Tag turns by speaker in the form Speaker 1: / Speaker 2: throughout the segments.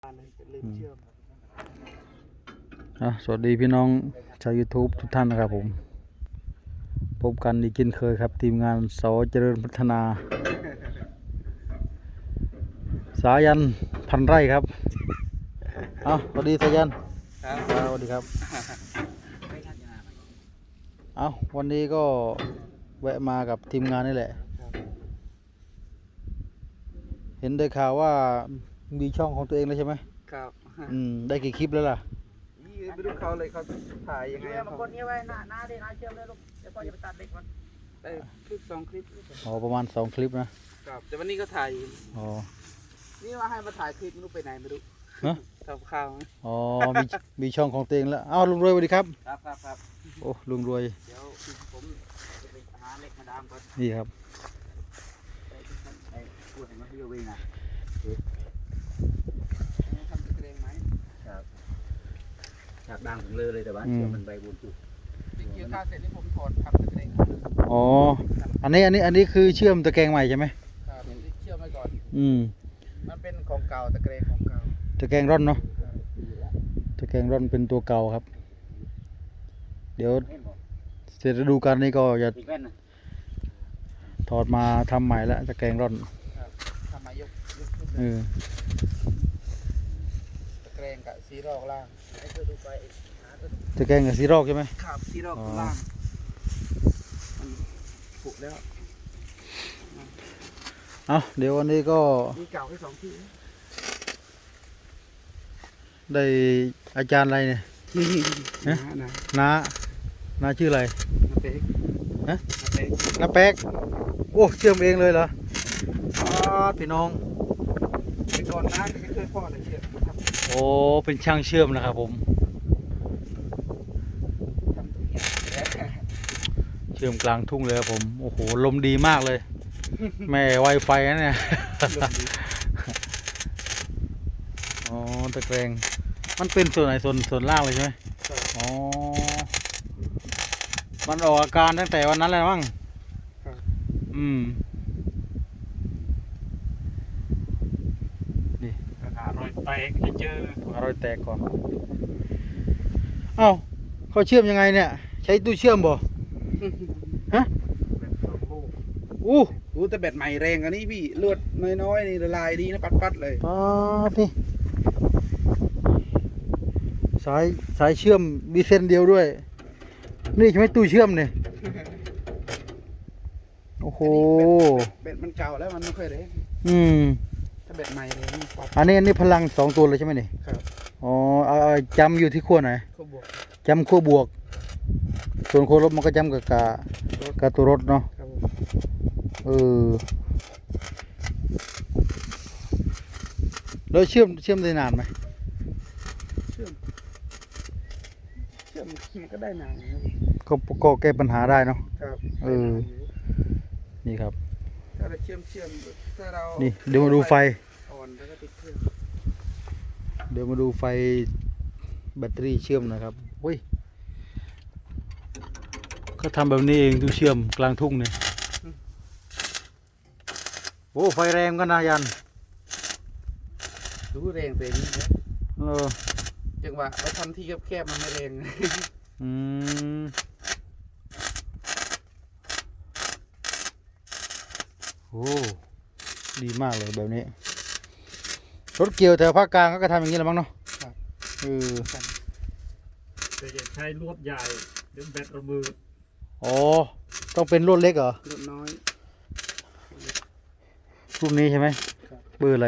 Speaker 1: ลืมเชื่อม
Speaker 2: สวัสดีพี่น้องชาว YouTube ทุกท่านนะครับผมพบกันอีกเช่นเคยครับทีมงานสเจริญพัฒนาสายันพันไร่ครับสวัสดีสายันสวัสดีครับวันนี้ก็แวะมากับทีมงานนี่แหละเห็นได้ข่าวว่ามีช่องของตัวเองแล้วใช่ไหม
Speaker 1: ครับ
Speaker 2: ได้กี่คลิปแล้วล่ะ
Speaker 1: ไม่รู้เขาเลยเขาถ่ายยังไง
Speaker 3: บางคนนี้ไว้หน้าเด็กหน้าเชื่อมเลยลูกเดี๋ยวพ่อจะไปตัดเด็กมัน
Speaker 1: ได้คลิป2 คลิป
Speaker 2: ประมาณ2 คลิปนะครับ
Speaker 1: แต่วันนี้ก็ถ่ายนี่ว่าให้มาถ่ายคลิปไม่รู้ไปไหนไม่รู้ทำข้าว
Speaker 2: มีช่องของตัวเองแล้วลุงรวยสวัสดีครับ
Speaker 1: ครับ
Speaker 2: โอ้ลุงรวย
Speaker 1: เดี๋ยวผมจะไปหาเหล็กมาดามก่อน
Speaker 2: นี่ครับ
Speaker 1: พูดให้มาเยอะเองนะทำตะเกียงไหมครับจากดังถึงเลยแต่ว่าเชื่อมันใบบุญจุดเกี่ยวข้าวเสร็จนี่ผมถอดทำตะเกียง
Speaker 2: อันนี้คือเชื่อมตะแกรงใหม่ใช่ไหม
Speaker 1: ครับเชื่อมไว้ก่อนมันเป็นของเก่าตะเกียงของเก่า
Speaker 2: ตะแกรงร่อนเนาะตะแกรงร่อนเป็นตัวเก่าครับเดี๋ยวเสร็จฤดูกาลนี้ก็จะถอดมาทำใหม่แล้วตะแกรงร่อน
Speaker 1: ทำมายกตะแกรงกับซีรอกล่างให้เธอดูไป
Speaker 2: ตะแกรงกับซีรอกใช่ไหม
Speaker 1: ครับซีรอกล่างผุแล้ว
Speaker 2: เดี๋ยววันนี้ก็
Speaker 1: มีเก่าให้2 ที่
Speaker 2: ได้อาจารย์อะไรเนี่ยน้าชื่ออะไรน้าแป๊กโอ้เชื่อมเองเลยเหรอพี่น้อง
Speaker 1: เป็นก่อนน้าไม่เคยพ่อเลยเชื่อม
Speaker 2: เป็นช่างเชื่อมนะครับผมเชื่อมกลางทุ่งเลยครับผมโอ้โหลมดีมากเลยแม่ไวไฟนะเนี่ยตะแกรงมันเป็นส่วนไหนส่วนล่างเลยใช่ไหมมันออกอาการตั้งแต่วันนั้นแล้วมั้งนี่
Speaker 1: รอยแตกให้เจอ
Speaker 2: รอยแตกก่อนเขาเชื่อมยังไงเนี่ยใช้ตู้เชื่อมบ่ฮะ
Speaker 1: แต่แบตใหม่แรงอันนี้พี่ลวดน้อยๆนี่ละลายดีนะปัดเลย
Speaker 2: นี่สายเชื่อมมีเส้นเดียวด้วยนี่ใช่ไหมตู้เชื่อมเนี่ยโอ้โห
Speaker 1: แบตมันเก่าแล้วมันไม่ค่อยแรงถ้าแบตใหม่เลย
Speaker 2: อันนี้พลัง2 ตัวเลยใช่ไหมนี่
Speaker 1: ครับ
Speaker 2: เอาจำอยู่ที่ขั้วไหนจำขั้วบวกส่วนขั้วลบมันก็จำกับตัวรถเนาะแล้วเชื่อมได้นานไหม
Speaker 1: เชื่อมมันก็ได้นาน
Speaker 2: ก็แก้ปัญหาได้เนาะ
Speaker 1: ครับ
Speaker 2: นี่ครับ
Speaker 1: ถ้าเราเชื่อมถ้าเรา
Speaker 2: นี่เดี๋ยวมาดูไฟ
Speaker 1: อ่อนแล้วก็ติดเครื่อง
Speaker 2: เดี๋ยวมาดูไฟแบตเตอรี่เชื่อมนะครับก็ทำแบบนี้เองดูเชื่อมกลางทุ่งเนี่ยไฟแรงก็นายัน
Speaker 1: รู้แรงเป็นจังหวะเราทำที่แคบๆมันไม่แรง
Speaker 2: ดีมากเลยแบบนี้รถเกี่ยวแถวภาคกลางก็ทำอย่างนี้แหละมั้งเนาะ
Speaker 3: แต่จะใช้ลวดใหญ่หรือแบตระเบิด
Speaker 2: ต้องเป็นรุ่นเล็กเหรอ
Speaker 1: รุ่นน้อย
Speaker 2: รุ่นนี้ใช่ไหมเบอร์อะไร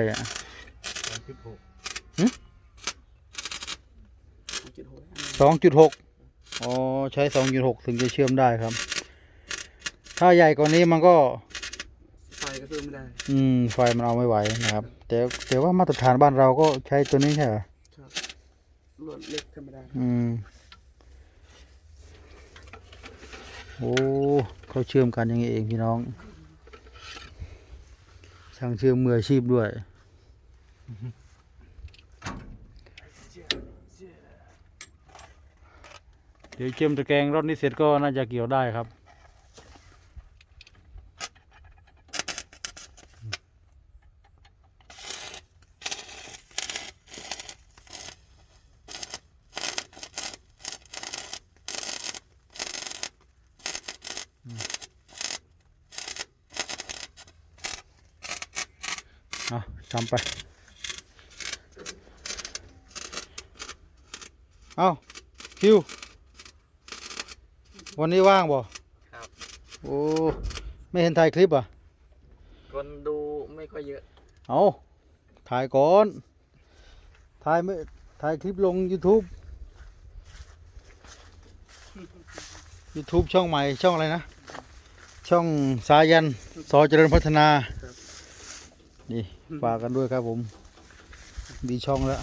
Speaker 2: 2.6ใช้ 2.6 ถึงจะเชื่อมได้ครับถ้าใหญ่กว่านี้มันก็
Speaker 1: ไฟก็เชื่อมไม่ได้
Speaker 2: ไฟมันเอาไม่ไหวนะครับแต่ว่ามาตรฐานบ้านเราก็ใช้ตัวนี้ใช่ไหม
Speaker 1: ครับลวดเล็กธรรมดา
Speaker 2: เขาเชื่อมกันอย่างนี้เองพี่น้องช่างเชื่อมมืออาชีพด้วยเดี๋ยวเชื่อมตะแกรงรถนี้เสร็จก็น่าจะเกี่ยวได้ครับทำไปเอาคิววันนี้ว่างบ่
Speaker 1: ครับ
Speaker 2: โอ้ไม่เห็นถ่ายคลิปอ่ะ
Speaker 1: คนดูไม่ค่อยเยอะ
Speaker 2: เอาถ่ายก่อนถ่ายไม่ถ่ายคลิปลง YouTube ช่องใหม่ช่องอะไรนะ ช่องสายันสอเจริญพัฒนานี่ฝากกันด้วยครับผมมีช่องแล้ว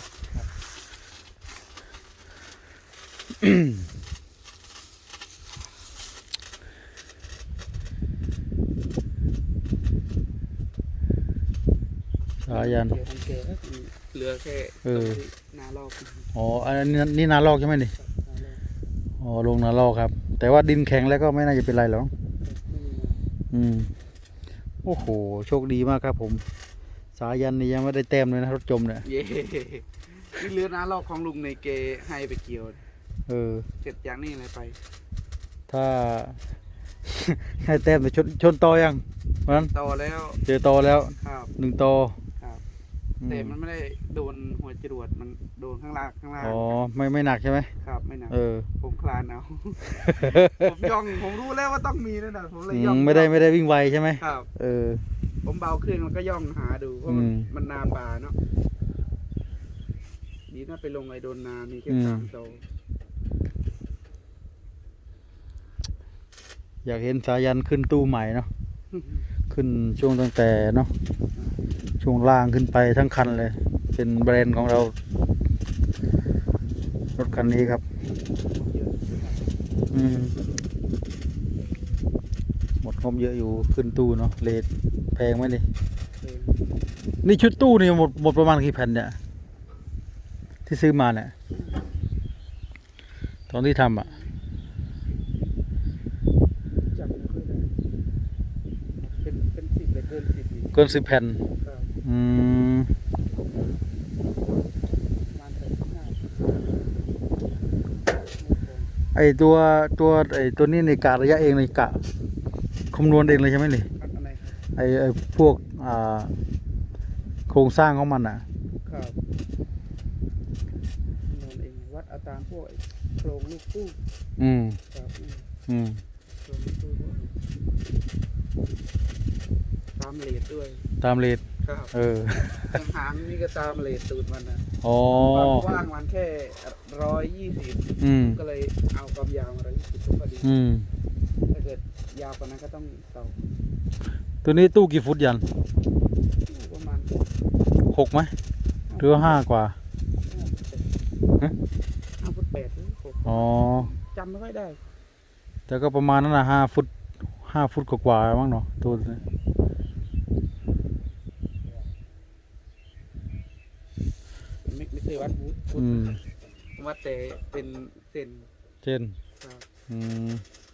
Speaker 2: สายัน
Speaker 1: เดี๋ยวมันแก่แล้วเหลือแค่
Speaker 2: เออ
Speaker 1: นาลอก
Speaker 2: อ๋ออันนี้นาลอกใช่ไหมนี่อ๋อลงนาลอกครับ แต่ว่าดินแข็งแล้วก็ไม่น่าจะเป็นไรหรอกอืมโอ้โหโชคดีมากครับผม สายันนี่ยังไม่ได้แต้มเลยนะรถจมเนี่ย
Speaker 1: เย่นี่เรือนาลอกของลุงในเกให้ไปเกี่ยว
Speaker 2: เออ
Speaker 1: เสร็จจากนี่อะไรไป
Speaker 2: ถ้า ให้แต้มไปชนตอยังวันนั้น
Speaker 1: ต่อแล้ว
Speaker 2: เจอตอแล้ว
Speaker 1: ครับ
Speaker 2: 1 ตอ
Speaker 1: ครับ
Speaker 2: อืม
Speaker 1: แต่มันไม่ได้โดนหัวจรวดมันโดนข้างล่าง
Speaker 2: อ๋อไม่หนักใช่ไหม
Speaker 1: ครับไม่หนัก
Speaker 2: เออ
Speaker 1: ผมคลานเอา ผมย่องผมรู้แล้วว่าต้องมีนั่นน่ะผมเลย
Speaker 2: อื
Speaker 1: ย่อง
Speaker 2: มไม่ได้วิ่งไวใช่ไหม
Speaker 1: ครับ
Speaker 2: เออ
Speaker 1: ผมเบาเครื่องแล้วก็ย่องหาดูเพราะมัน
Speaker 2: อืม
Speaker 1: มันนาป่าเนาะดีนะไปลงไอโดนนามีแค่
Speaker 2: อืม
Speaker 1: 3 โต
Speaker 2: อยากเห็นสายันขึ้นตู้ใหม่เนาะ ขึ้นช่วงตั้งแต่เนาะช่วงล่างขึ้นไปทั้งคันเลย เป็นแบรนด์ของเรา รถคันนี้ครับ อืมหมดงบเยอะอยู่ขึ้นตู้เนาะเลทแพงไหมนี่นี่ชุดตู้นี่หมดประมาณกี่แผ่นเนี่ย ที่ซื้อมาเนี่ย ตอนที่ทำอ่ะ
Speaker 1: จำไม่ค่อยได้เป็น10เลยเกิน10อีก
Speaker 2: เกิน10 แผ่น
Speaker 1: ครับ
Speaker 2: อืม
Speaker 1: ประมาณ35
Speaker 2: ไอตัวนี้ในกะระยะเองในกะคำนวณเองเลยใช่ไหมนี่
Speaker 1: อันไหนครับ
Speaker 2: ไอพวกโครงสร้างของมันอ่ะ
Speaker 1: ครับนอนเองวัดเอาตามพวกไอ้โครงลูกตู้
Speaker 2: อืม
Speaker 1: ครับ
Speaker 2: อืม
Speaker 1: โครงลูกตู้พวกนี้ตามเลทด้วย
Speaker 2: ตามเลท
Speaker 1: ครับ
Speaker 2: เออ
Speaker 1: หางนี่ก็ตามเลทตูดมันนะ
Speaker 2: อ๋อ
Speaker 1: ความกว้างมันแค่120
Speaker 2: อืม
Speaker 1: ก็เลยเอาความยาวมา120ก็พอดี
Speaker 2: อืม
Speaker 1: ถ้าเกิดยาวกว่านั้นก็ต้องต่อ
Speaker 2: ตัวนี้ตู้กี่ฟุตยัน
Speaker 1: ประมาณ
Speaker 2: 6ไหมหรือว่า5 กว่า ฮะ
Speaker 1: 5 ฟุต 8 หรือ
Speaker 2: อ๋อ
Speaker 1: 6จำไม่ค่อยได้
Speaker 2: แต่ก็ประมาณนั้นนะ5 ฟุต 5 ฟุตกว่าๆมั้งเนาะตัวนี้
Speaker 1: ไม่เคยวัดฟุต
Speaker 2: อืม
Speaker 1: วัดแต่เป็นเซน
Speaker 2: เช่น
Speaker 1: ครับ
Speaker 2: อืม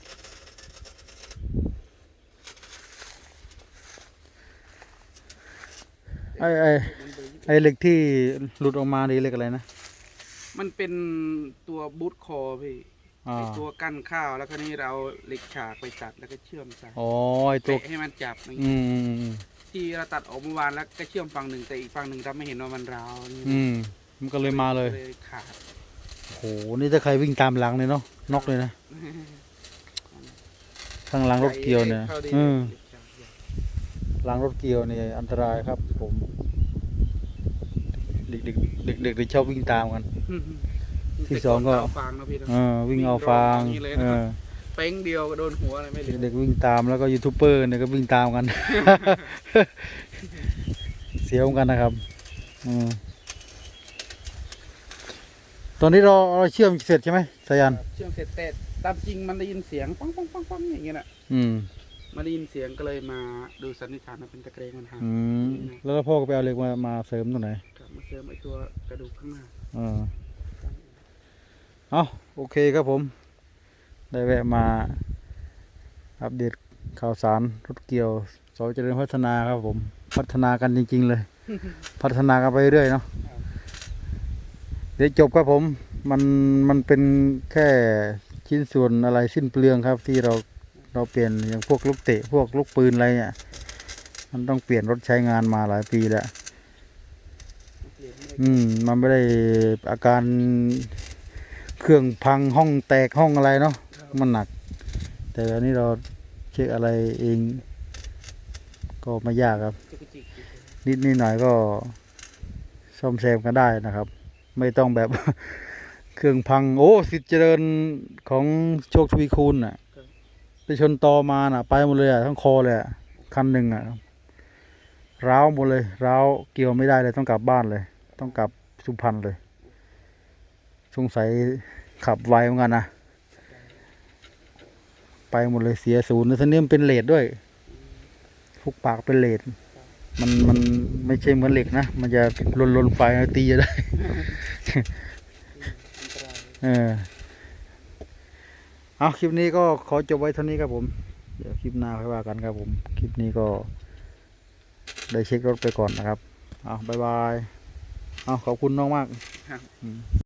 Speaker 2: ไอเหล็กที่หลุดออกมานี่เหล็กอะไรนะ
Speaker 1: มันเป็นตัวบูทคอพี่
Speaker 2: อ่า
Speaker 1: ไอตัวกั้นข้าวแล้วคราวนี้เราเหล็กฉากไปตัดแล้วก็เชื่อมใส่
Speaker 2: อ๋อไอตัว
Speaker 1: เตะให้มันจับอย่าง
Speaker 2: อื
Speaker 1: นี้
Speaker 2: ม
Speaker 1: ที่เราตัดออกเมื่อวานแล้วก็เชื่อมฝั่งหนึ่งแต่อีกฝั่งหนึ่งเราไม่เห็นว่ามันร้าวนี่
Speaker 2: อืมมันก็เลยมาเลย
Speaker 1: ขาด
Speaker 2: โหนี่ถ้าใครวิ่งตามหลังเลยเนาะน็อกเลยนะข้างหลังรถเกียวเนี่ย
Speaker 1: ข้าดี
Speaker 2: อืม
Speaker 1: เหล็กฉากใหญ่
Speaker 2: หลังรถเกียวเนี่ยอันตรายครับผมเด็กๆชอบวิ่งตามกัน ที่สองก็
Speaker 1: เอาฟางนะพี่นะ
Speaker 2: วิ่งเอาฟาง
Speaker 1: วิ่งรอบอย่างนี้เลยนะ เป้งเดียวก็โดนหัวอะไรไม่เหลือ
Speaker 2: เด็กๆวิ่งตามแล้วก็ยูทูบเบอร์เนี่ยก็วิ่งตามกัน เสียวเหมือนกันนะครับอืมตอนนี้เราเชื่อมเสร็จใช่ไหมสายัน
Speaker 1: เชื่อมเสร็จแต่ตามจริงมันได้ยินเสียงปังปังปังปังอย่างเงี้ยน่ะ
Speaker 2: อืม
Speaker 1: มาได้ยินเสียงก็เลยมาดูสันนิษฐานว่าเป็นตะเกรงมันหัก
Speaker 2: อืมแล้วพ่อก็ไปเอาเหล็กมาเสริมตรงไหน
Speaker 1: กลับมาเสริมไอตัวกระดูกข้างหน้า
Speaker 2: เอาโอเคครับผม ได้แวะมาอัปเดตข่าวสารรถเกี่ยวสอเจริญพัฒนาครับผม พัฒนากันจริงๆเลย พัฒนากันไปเรื่อยเนาะเดี๋ยวจบครับผมมันเป็นแค่ชิ้นส่วนอะไรสิ้นเปลืองครับ ที่เราเปลี่ยนอย่างพวกลูกเตะพวกลูกปืนอะไรเนี่ยมันต้องเปลี่ยนรถใช้งานมาหลายปีแล้วมันไม่ได้อาการเครื่องพังห้องแตกห้องอะไรเนาะมันหนัก แต่อันนี้เราเช็คอะไรเองก็ไม่ยากครับ นิดหน่อยก็ซ่อมแซมกันได้นะครับ ไม่ต้องแบบ เครื่องพังโอ้สิทธิ์เจริญของโชคทวีคูณน่ะไปชนตอมาน่ะไปหมดเลยอ่ะทั้งคอเลยอ่ะคันหนึ่งอ่ะร้าวหมดเลยร้าวเกี่ยวไม่ได้เลยต้องกลับบ้านเลย ต้องกลับสุพรรณเลยสงสัยขับไวเหมือนกันนะไปหมดเลยเสียศูนย์แล้วทีนี้มันเป็นเลดด้วยทุกปากเป็นเลดมันไม่ใช่เหมือนเหล็กนะมันจะลนไฟตีจะได้ เอาคลิปนี้ก็ขอจบไว้เท่านี้ครับผมเดี๋ยวคลิปหน้าค่อยว่ากันครับผมคลิปนี้ก็ได้เช็ครถไปก่อนนะครับเอาบายบายเอาขอบคุณน้องมาก